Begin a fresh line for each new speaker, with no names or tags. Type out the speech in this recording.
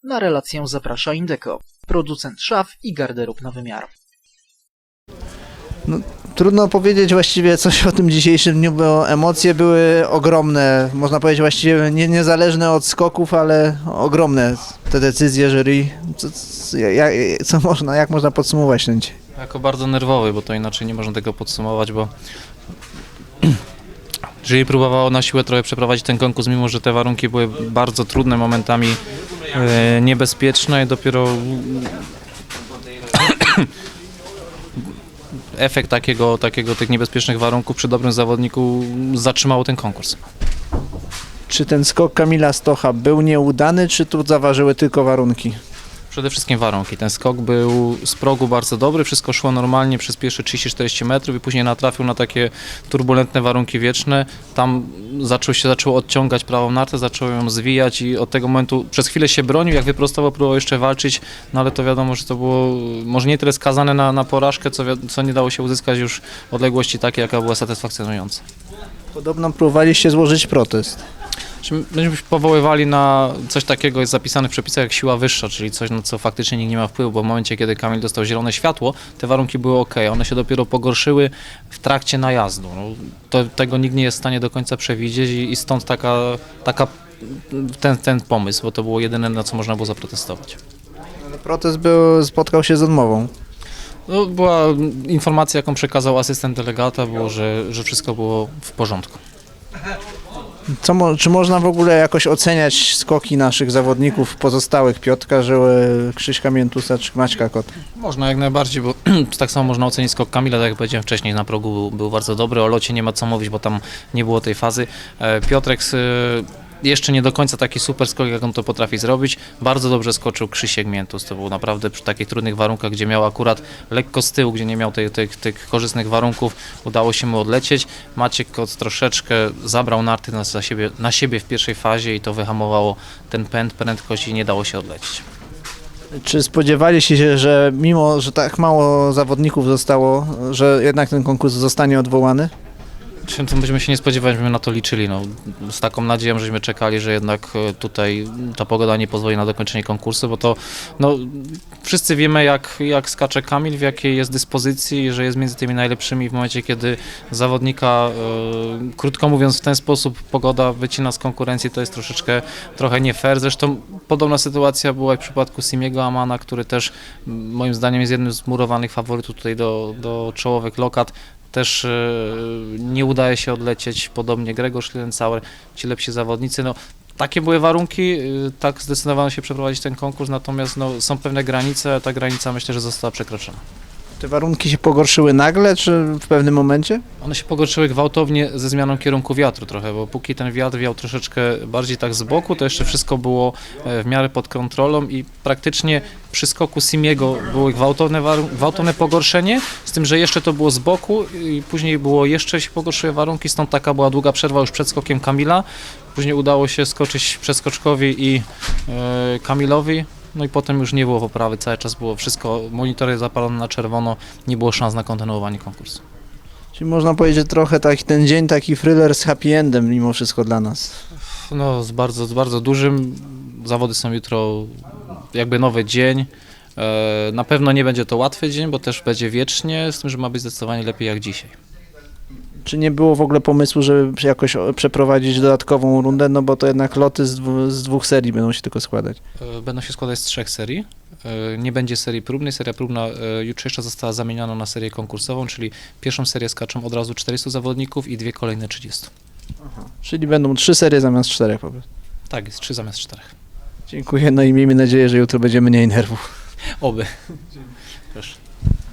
Na relację zaprasza Indeco, producent szaf i garderób na wymiar.
No, trudno powiedzieć właściwie coś o tym dzisiejszym dniu, bo emocje były ogromne. Można powiedzieć właściwie niezależne od skoków, ale ogromne te decyzje jury. Jak można podsumować ten dzień?
Jako bardzo nerwowy, bo to inaczej nie można tego podsumować, bo jury próbowało na siłę trochę przeprowadzić ten konkurs, mimo że te warunki były bardzo trudne, momentami niebezpieczne i dopiero efekt tych niebezpiecznych warunków przy dobrym zawodniku zatrzymało ten konkurs.
Czy ten skok Kamila Stocha był nieudany, czy tu zaważyły tylko warunki?
Przede wszystkim warunki. Ten skok był z progu bardzo dobry, wszystko szło normalnie przez pierwsze 30-40 metrów i później natrafił na takie turbulentne warunki wieczne. Tam zaczął odciągać prawą nartę, zaczął ją zwijać i od tego momentu przez chwilę się bronił, jak wyprostował, próbował jeszcze walczyć, no ale to wiadomo, że to było może nie tyle skazane na porażkę, co nie dało się uzyskać już odległości takiej, jaka była satysfakcjonująca.
Podobno próbowaliście złożyć protest.
Myśmy się powoływali na coś takiego, jest zapisane w przepisach jak siła wyższa, czyli coś, na co faktycznie nikt nie ma wpływu, bo w momencie, kiedy Kamil dostał zielone światło, te warunki były ok, one się dopiero pogorszyły w trakcie najazdu. No, tego nikt nie jest w stanie do końca przewidzieć i stąd ten pomysł, bo to było jedyne, na co można było zaprotestować.
Ale protest spotkał się z odmową.
No, była informacja, jaką przekazał asystent delegata, było, że wszystko było w porządku.
Czy można w ogóle jakoś oceniać skoki naszych zawodników pozostałych, Piotrka Żyły, Krzyśka Miętusa czy Maćka Kota?
Można jak najbardziej, bo tak samo można ocenić skok Kamila, tak jak powiedziałem wcześniej, na progu był bardzo dobry, o locie nie ma co mówić, bo tam nie było tej fazy. Piotrek jeszcze nie do końca taki super skok, jak on to potrafi zrobić. Bardzo dobrze skoczył Krzysiek Miętus, to był naprawdę przy takich trudnych warunkach, gdzie miał akurat lekko z tyłu, gdzie nie miał tych korzystnych warunków, udało się mu odlecieć. Maciek Kot troszeczkę zabrał narty na siebie w pierwszej fazie i to wyhamowało ten prędkość i nie dało się odlecieć.
Czy spodziewaliście się, że mimo, że tak mało zawodników zostało, że jednak ten konkurs zostanie odwołany?
Czym to byśmy się nie spodziewali, żebyśmy na to liczyli. No, z taką nadzieją, żeśmy czekali, że jednak tutaj ta pogoda nie pozwoli na dokończenie konkursu, bo to wszyscy wiemy, jak skacze Kamil, w jakiej jest dyspozycji, że jest między tymi najlepszymi w momencie, kiedy zawodnika, krótko mówiąc, w ten sposób pogoda wycina z konkurencji, to jest trochę nie fair. Zresztą podobna sytuacja była w przypadku Simiego Amana, który też moim zdaniem jest jednym z murowanych faworytów tutaj do czołowych lokat. Też nie udaje się odlecieć, podobnie Grzegorz Lilensauer, ci lepsi zawodnicy. No, takie były warunki, tak zdecydowano się przeprowadzić ten konkurs, natomiast są pewne granice, a ta granica myślę, że została przekroczona.
Te warunki się pogorszyły nagle, czy w pewnym momencie?
One się pogorszyły gwałtownie ze zmianą kierunku wiatru trochę, bo póki ten wiatr wiał troszeczkę bardziej tak z boku, to jeszcze wszystko było w miarę pod kontrolą i praktycznie przy skoku Simiego było gwałtowne pogorszenie, z tym, że jeszcze to było z boku i później jeszcze się pogorszyły warunki, stąd taka była długa przerwa już przed skokiem Kamila. Później udało się skoczyć przeskoczkowi i Kamilowi. No i potem już nie było poprawy, cały czas było wszystko, monitory zapalone na czerwono, nie było szans na kontynuowanie konkursu.
Czyli można powiedzieć, że trochę ten dzień taki thriller z happy endem mimo wszystko dla nas.
No z bardzo dużym, zawody są jutro jakby nowy dzień, na pewno nie będzie to łatwy dzień, bo też będzie wiecznie, z tym, że ma być zdecydowanie lepiej jak dzisiaj.
Czy nie było w ogóle pomysłu, żeby jakoś przeprowadzić dodatkową rundę, no bo to jednak loty z dwóch serii będą się tylko składać?
Będą się składać z 3 serii. Nie będzie serii próbnej. Seria próbna jutrzejsza została zamieniona na serię konkursową, czyli pierwszą serię skaczą od razu 400 zawodników i 2 kolejne 30.
Aha. Czyli będą 3 serie zamiast 4 po prostu.
Tak, jest 3 zamiast 4.
Dziękuję, no i miejmy nadzieję, że jutro będzie mniej nerwów.
Oby. Proszę.